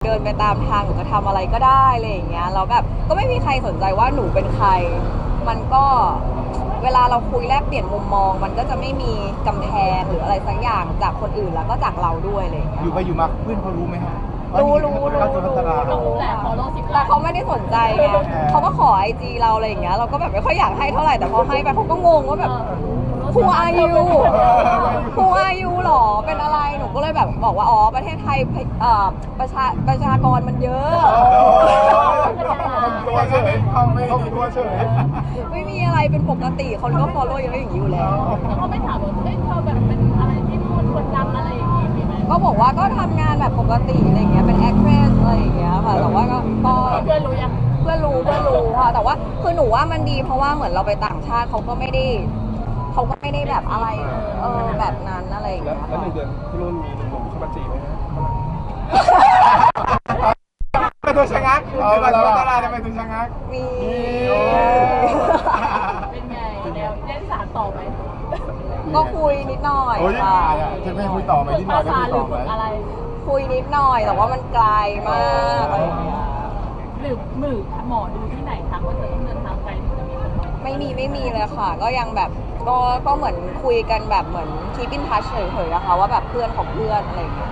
ดินไปตามทางหนูจะทำอะไรก็ได้อะไรอย่างเงี้ยแล้วแบบก็ไม่มีใครสนใจว่าหนูเป็นใครมันก็เวลาเราคุยแลกเปลี่ยนมุมมองมันก็จะไม่มีกำแพงหรืออะไรสักอย่างจากคนอื่นแล้วก็จากเราด้วยอะไรอย่างเงี้ยอยู่ไปอยู่มาเพื่อนเขารู้ไหมฮะรู้เขาจะพัฒนาเราแต่เขาไม่ได้สนใจไงเขาก็ขอไอจีเราอะไรอย่างเงี้ยเราก็แบบไม่ค่อยอยากให้เท่าไหร่แต่พอให้ไปเขาก็งงว่าแบบWho are you Who are you หรอเป็นอะไรหนูก็เลยแบบบอกว่าอ๋อประเทศไทยประชากรมันเยอะตัวเฉยเขาไม่ตัวเฉยไม่มีอะไรเป็นปกติคนก็ follow เยอะอย่างนี้อยู่แล้วเขาไม่ถามว่าเฮ้ยเธอแบบเป็นอะไรที่คนดังอะไรอย่างงี้มีไหมก็บอกว่าก็ทำงานแบบปกติอะไรอย่างเงี้ยเป็น actress อะไรอย่างเงี้ยค่ะแต่ว่าก็เพื่อนรู้ยังเพื่อนรู้ค่ะแต่ว่าคือหนูว่ามันดีเพราะว่าเหมือนเราไปต่างชาติเขาก็ไม่ได้แบบอะไรแบบนั้นอะไรอย่างเงี้ยแล้ว1 เดือนพี่นุ่นมีหนุ่มๆเข้ามาจีบไหมฮะเป็นตัวชะงักเป็นตัวตลาดทำไมตัวชะงักมีเป็นไงแนวเล่นสารต่อไหมก็คุยนิดหน่อยค่ะจะไม่คุยต่อไหมนิดหน่อยจะคุยต่อไหมคุยนิดหน่อยแต่ว่ามันไกลมากอะไรอย่างเงี้ยหรือหมอดูที่ไหนทักว่าเธอต้องเดินทางไกลถึงจะมีคนมาไม่มีเลยค่ะก็ยังแบบก็เหมือนคุยกันแบบเหมือน keep in touch เฉยๆนะคะว่าแบบเพื่อนของเพื่อนอะไรอย่างเงี้ย